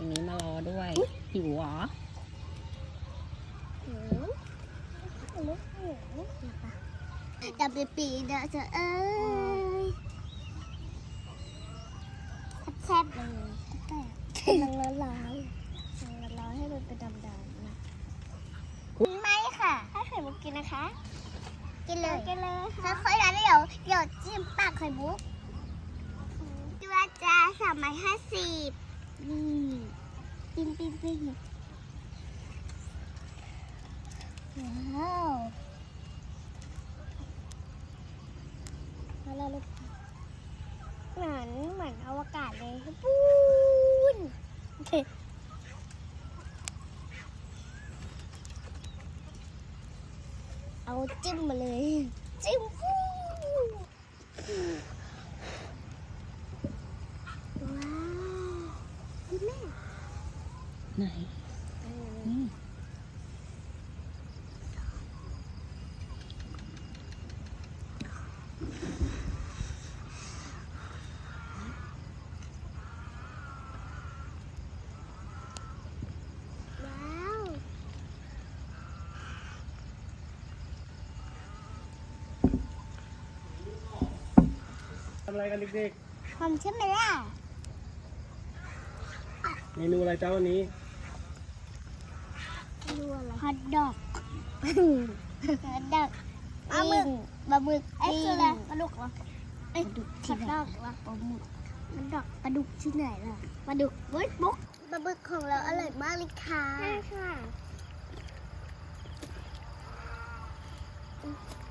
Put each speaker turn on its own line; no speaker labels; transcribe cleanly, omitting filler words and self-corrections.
รงนี้มารอด้วยหิวเหรอ
จะไปปีนะเธอเอ้ยแซ่บๆเลยมันร้อนให้มันเป็นดำๆนะไม่ค่ะให้ไข่มุกกินนะคะ กินเลยแล้วค่อยร้านเดี๋ยวจิ้มปากไข่มุกตัวจ้า350นี่ปิ้งว้าวแล้วลูกเหมือนอวกาศเลยปูนเอาจิ้มมาเลยจิ้มฟูว้าวคุณแม่
ไหนนี่
ว้าว
ทำอะไรกันเด็ก
หอมใช่ไหมล่ะ
ๆ เมนูอะไรจ้าวันนี้
ดูอะไรฮอทดอกฮอทดอกปลาหมึกไอ้คืออะไรปลาดุกเหรอไอ้ฮอทดอกเหรอปลาหมึกมันดอกปลาดุกที่ไหนล่ะปลาดุกบุ๊กปลาหมึกของเราอร่อยมากเลยค่ะใช่ค่ะ